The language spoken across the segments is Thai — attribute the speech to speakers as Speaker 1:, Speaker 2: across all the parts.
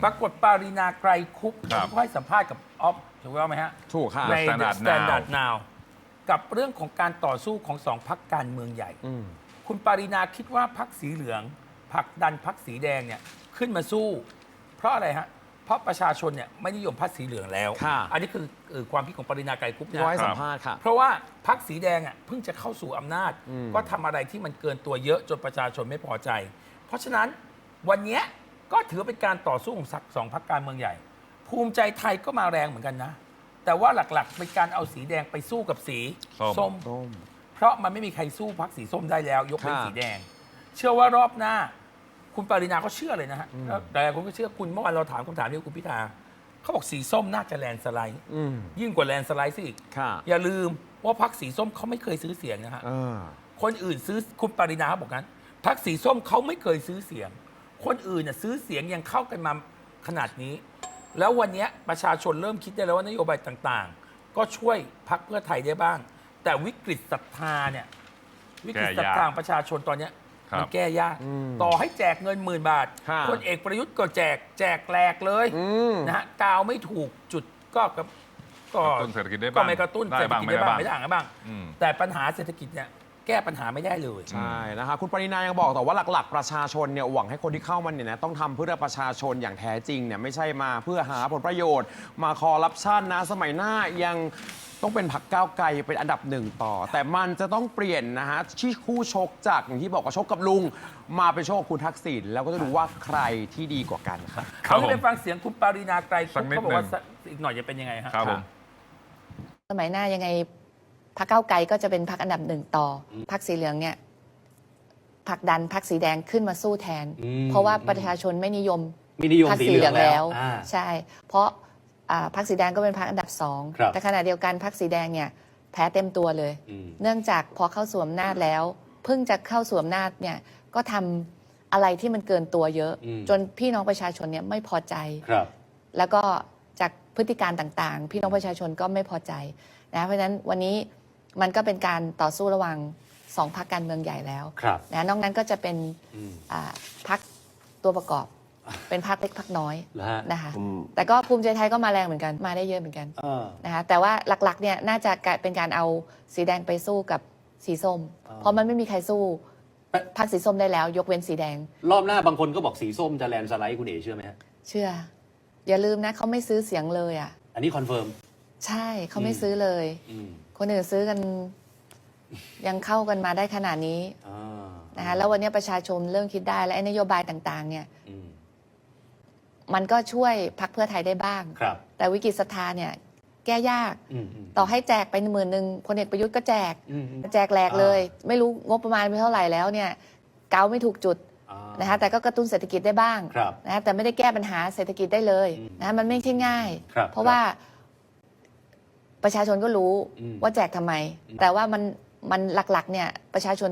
Speaker 1: ปรากฏปารีนาไกรคุปเขาให้สัมภาษณ์กับออฟถูกต้องไหมฮะ
Speaker 2: ถูกค่ะ
Speaker 1: ใน Standard Now กับเรื่องของการต่อสู้ของสองพรรคการเมืองใหญ่คุณปารีนาคิดว่าพรรคสีเหลืองผลักดันพรรคสีแดงเนี่ยขึ้นมาสู้เพราะอะไรฮะเพราะประชาชนเนี่ยไม่นิยมพรรคสีเหลืองแล้วอันนี้คือความคิดของปารีนาไกรคุปนะ
Speaker 2: ให้สัมภาษณ์ค่ะ
Speaker 1: เพราะว่าพรรคสีแดงอ่ะเพิ่งจะเข้าสู่อำนาจก็ทำอะไรที่มันเกินตัวเยอะจนประชาชนไม่พอใจเพราะฉะนั้นวันนี้ก็ถือเป็นการต่อสู้ของสองพรรคการเมืองใหญ่ภูมิใจไทยก็มาแรงเหมือนกันนะแต่ว่าหลักๆเป็นการเอาสีแดงไปสู้กับสีส้มเพราะมันไม่มีใครสู้พรรคสีส้มได้แล้วยกเป็นสีแดงเชื่อว่ารอบหน้าคุณปารินาก็เชื่อเลยนะฮะแต่คนก็เชื่อคุณเมื่อวานเราถามคำถามนี้คุณพิธาเขาบอกสีส้มน่าจะแลนสไลด์ยิ่งกว่าแลนสไลด์ซะอีกอย่าลืมว่าพรรคสีส้มเขาไม่เคยซื้อเสียงนะฮะคนอื่นซื้อคุณปารินาเขาบอกงั้นพรรคสีส้มเขาไม่เคยซื้อเสียงคนอื่นน่ะซื้อเสียงยังเข้ากันมาขนาดนี้แล้ววันนี้ประชาชนเริ่มคิดได้แล้วว่านโยบายต่างๆก็ช่วยพรรคเพื่อไทยได้บ้างแต่วิกฤตศรัทธาเนี่ยวิกฤตศรัทธาประชาชนตอนนี้มันแก้ยากต่อให้แจกเงิน10,000 บาทพลเอกประยุทธ์ก็แจกแหลกเลยนะฮะกาวไม่ถูกจุดก็กระ
Speaker 3: ตุ้นเศรษฐกิจได้บ้าง
Speaker 1: ก็ไม่กระตุ้นเศรษฐกิจได้บ้างไม่ได้บ้างแต่ปัญหาเศรษฐกิจเนี่ยแก้ปัญหาไม่ได้เลย
Speaker 2: ใช่นะคะคุณปรินายังบอกต่อว่าหลักๆประชาชนเนี่ยหวังให้คนที่เข้ามาเนี่ยนะต้องทำเพื่อประชาชนอย่างแท้จริงเนี่ยไม่ใช่มาเพื่อหาผลประโยชน์มาคอร์รัปชันนะสมัยหน้ายังต้องเป็นพรรคก้าวไกลเป็นอันดับ1ต่อแต่มันจะต้องเปลี่ยนนะฮะที่คู่ชกจากอย่างที่บอกว่าชกกับลุงมาเป็นชกกับคุณทักษิณแล้วก็จะดูว่าใครที่ดีกว่ากันครับ
Speaker 1: เขาไปฟังเสียงคุณปารีนาไกรคุปเขาบอกว่าอีกหน่อยจะเป็นยังไงฮะ
Speaker 4: สมัยหน้ายังไงพรรคก้าวไกลก็จะเป็นพรรคอันดับ1ต่อพรรคสีเหลืองเนี่ยผลักดันพรรคสีแดงขึ้นมาสู้แทนเพราะว่าประชาชนไม่นิยมพรรคสีเหลืองแล้วใช่เพราะพรรคสีแดงก็เป็นพรรคอันดับ2แต่ขณะเดียวกันพรรคสีแดงเนี่ยแพ้เต็มตัวเลยเนื่องจากพอเข้าสู่อำนาจแล้วเพิ่งจะเข้าสู่อำนาจเนี่ยก็ทำอะไรที่มันเกินตัวเยอะจนพี่น้องประชาชนเนี่ยไม่พอใจแล้วก็จากพฤติการต่างๆพี่น้องประชาชนก็ไม่พอใจนะเพราะฉะนั้นวันนี้มันก็เป็นการต่อสู้ระหว่าง2 พรรคการเมืองใหญ่แล้วนะนอกนั้นก็จะเป็นพรรคตัวประกอบเป็นพรรคเล็กพรรคน้อยนะคะแต่ก็ภูมิใจไทยก็มาแรงเหมือนกันมาได้เยอะเหมือนกันนะคะแต่ว่าหลักๆเนี่ยน่าจะเป็นการเอาสีแดงไปสู้กับสีส้มเพราะมันไม่มีใครสู้พรรคสีส้มได้แล้วยกเว้นสีแดง
Speaker 5: รอบหน้าบางคนก็บอกสีส้มจะแลนสไลด์คุณเอ๋เชื่อไหมฮะ
Speaker 4: เชื่ออย่าลืมนะเขาไม่ซื้อเสียงเลยอ่ะ
Speaker 5: อันนี้คอนเฟิร์ม
Speaker 4: ใช่เขาไม่ซื้อเลยคนอื่นซื้อกันยังเข้ากันมาได้ขนาดนี้นะคะแล้ววันนี้ประชาชนเริ่มคิดได้และนโยบายต่างๆเนี่ยมันก็ช่วยพรรคเพื่อไทยได้บ้างแต่วิกฤตศรัทธาเนี่ยแก้ยากต่อให้แจกไป10,000พลเอกประยุทธ์ก็แจกแหลกเลยไม่รู้งบประมาณไปเท่าไหร่แล้วเนี่ยเกาไม่ถูกจุดนะคะแต่ก็กระตุ้นเศรษฐกิจได้บ้างนะแต่ไม่ได้แก้ปัญหาเศรษฐกิจได้เลยนะมันไม่ใช่ง่ายเพราะว่าประชาชนก็รู้ว่าแจกทำไมแต่ว่ามันหลักๆเนี่ยประชาชน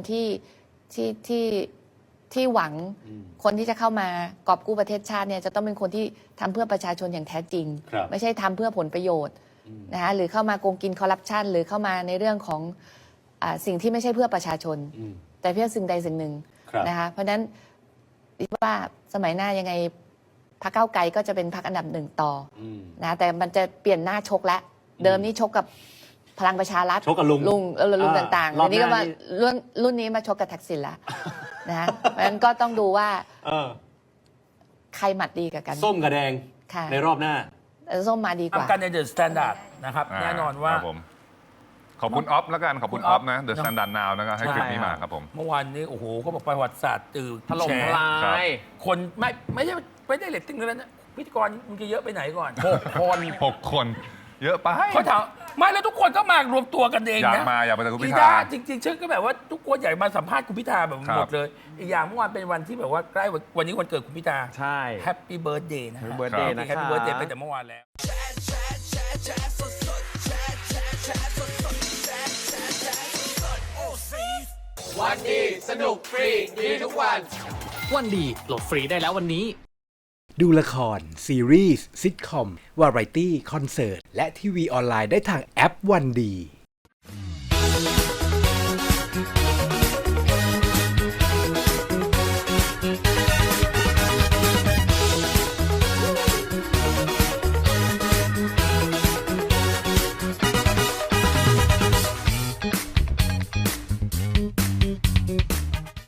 Speaker 4: ที่หวังคนที่จะเข้ามากอบกู้ประเทศชาติเนี่ยจะต้องเป็นคนที่ทำเพื่อประชาชนอย่างแท้จริงไม่ใช่ทำเพื่อผลประโยชน์นะคะหรือเข้ามาโกงกินคอร์รัปชันหรือเข้ามาในเรื่องของสิ่งที่ไม่ใช่เพื่อประชาชนแต่เพื่อสิ่งใดสิ่งหนึ่งนะคะเพราะฉะนั้นว่าสมัยหน้ายังไงพรรคก้าวไกลก็จะเป็นพรรคอันดับ1ต่อนะแต่มันจะเปลี่ยนหน้าชกแล้วเดิมนี่ชกกับพลังประชารัฐ
Speaker 5: ชกกับ
Speaker 4: ลุงต่างๆอันนี้ก็มารุ่นนี้มาชกกับทักษิณละนะเพราะฉะนั้นก็ต้องดูว่าใครหมัดดีกับกัน
Speaker 5: ส้มกับแดงในรอบหน้า
Speaker 4: ส้มมาดีกว่า
Speaker 1: กันในเดอะสแตนดาร์ดนะครับแน่นอนว่า
Speaker 3: ขอบคุณออฟแล้วกันขอบคุณออฟนะเดอะสแตนดาร์ดนาวนะครับให้คลิปนี้มาครับผม
Speaker 1: เมื่อวานนี้โอ้โหเขาบอกประวัติศาสตร์ตื่น
Speaker 2: ถล่มทลาย
Speaker 1: คนไม่ได้เรตติ้งเลยนะพิธีกรมึงจะเยอะไปไหนก่อน
Speaker 3: 6 คนเยอะไป
Speaker 1: เขาถามไม่แล้วทุกคนก็มารวมตัวกันเองนะ
Speaker 3: อยากไปแต่คุณพิธา
Speaker 1: จริงๆฉันก็แบบว่าทุกคนอยากมาสัมภาษณ์คุณพิธาแบบหมดเลยอีกอย่างเมื่อวานเป็นวันที่แบบว่าใกล้วันนี้วันเกิดคุณพิธา
Speaker 2: ใช่
Speaker 1: แฮปปี้เบิร์ธเดย์นะ
Speaker 2: แฮปปี้เบิร์ธเดย์
Speaker 1: ไปแต่เมื่อวานแล้ว
Speaker 6: วันดีสนุกฟรีดีทุกวัน
Speaker 7: วันดีโหลดฟรีได้แล้ววันนี้
Speaker 8: ดูละครซีรีส์ซิทคอมวาไรตี้คอนเสิร์ตและทีวีออนไลน์ได้ทางแอปวันดี